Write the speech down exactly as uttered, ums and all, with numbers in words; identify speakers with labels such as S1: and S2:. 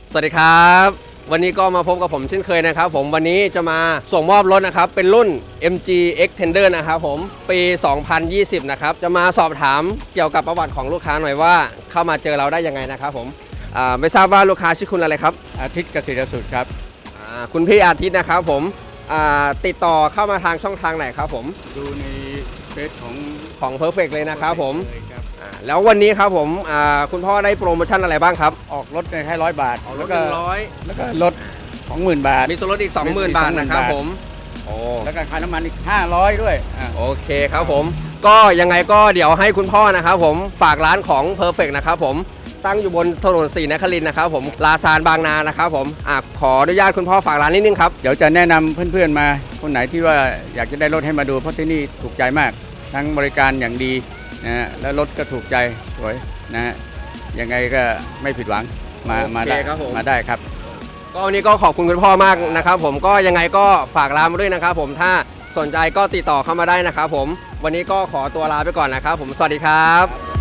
S1: สวัสดีครับวันนี้ก็มาพบกับผมเช่นเคยนะครับผมวันนี้จะมาส่งมอบรถนะครับเป็นรุ่น เอ็ม จี Xtender นะครับผมปี สองพันยี่สิบ นะครับจะมาสอบถามเกี่ยวกับประวัติของลูกค้าหน่อยว่าเข้ามาเจอเราได้ยังไงนะครับผมอ่าไม่ทราบว่าลูกค้าชื่อคุณอะไรครับ
S2: อาทิตย์เกษตรสุดครับ
S1: อ่าคุณพี่อาทิตย์นะครับผมอ่าติดต่อเข้ามาทางช่องทางไหนครับผม
S2: ดูในเฟซของ
S1: ของ Perfect เลยนะครับผม
S2: เลยครับ
S1: แล้ววันนี้ครับผมคุณพ่อได้โปรโมชั่นอะไรบ้างครับ
S2: ออกรถในแค่ร้อยบาท
S1: แล้วก็ร้อย
S2: แล้วก็รถสองหมื่นบาท
S1: มีส่วนลดอีก สองหมื่น บาทนะครับผม
S2: โอ้แล้วก็ค่าน้ำมันอีกห้าร้อยด้วย
S1: โอเคครับผมก็ยังไงก็เดี๋ยวให้คุณพ่อนะครับผมฝากร้านของ Perfect นะครับผมตั้งอยู่บนถนนศรีนครินทร์นะครับผมลาซานบางนานะครับผมอ่ะขออนุญาตคุณพ่อฝากร้านนิดนึงครับ
S2: เดี๋ยวจะแนะนำเพื่อนๆมาคนไหนที่ว่าอยากจะได้รถให้มาดูเพราะที่นี่ถูกใจมากทั้งบริการอย่างดีนะฮะแล้วรถก็ถูกใจสวยนะฮะยังไงก็ไม่ผิดหวังมามาได้มาได้ครับ
S1: ก็วันนี้ก็ขอบคุณคุณพ่อมากนะครับผมก็ยังไงก็ฝากร้านมาด้วยนะครับผมถ้าสนใจก็ติดต่อเข้ามาได้นะครับผมวันนี้ก็ขอตัวลาไปก่อนนะครับผมสวัสดีครับ